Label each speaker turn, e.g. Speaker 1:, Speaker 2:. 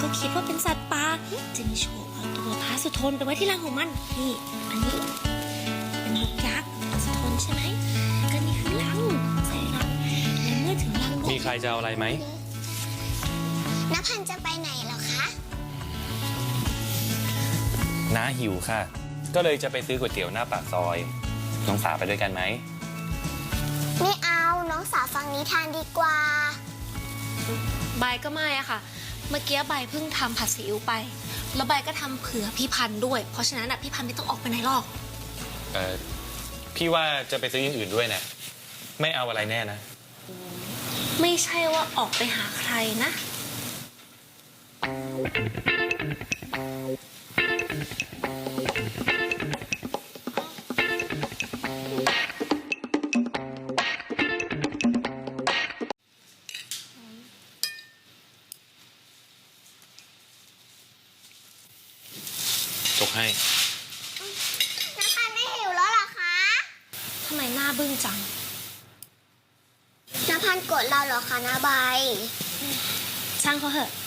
Speaker 1: ก็คิดว่าเป็นสัตว์ป่าจึงโฉบเอาตัวพระสุทนไปไว้ที่รังของมันนี่อันนี้เป็นนกยักษ์พระสุทนใช่ไหมก็นี่คือรังใส่รังและเมื่อถึงรังนก
Speaker 2: มีใครจะเอาอะไรไหม
Speaker 3: นภันจะไปไหนเหรอคะ
Speaker 2: น้าหิวค่ะ ก็เลยจะไปซื้อก๋วยเตี๋ยวหน้าปากซอย น้องสาไปด้วยกันไหม
Speaker 3: ไม่เอาน้องสาวฟังนิทานดีกว่า
Speaker 1: ใบก็ไม่อะค่ะเมื่อกี้ใบเพิ่งทำผัดซีอิ๊วไปแล้วใบก็ทำเผื่อพี่พันธุ์ด้วยเพราะฉะนั้นพี่พันธุ์ไม่ต้องออกไปไหนหรอก
Speaker 2: พี่ว่าจะไปซื้ออย่างอื่นด้วยนะไม่เอาอะไรแน่นะ
Speaker 1: ไม่ใช่ว่าออกไปหาใครนะ
Speaker 2: จกให้
Speaker 3: นภันไม่หิวแล้วเหรอคะ
Speaker 1: ทำไมหน้าบึ้งจัง
Speaker 3: นภันโกรธเราเหรอคะนาใบ
Speaker 1: ช่างเขาเถอะ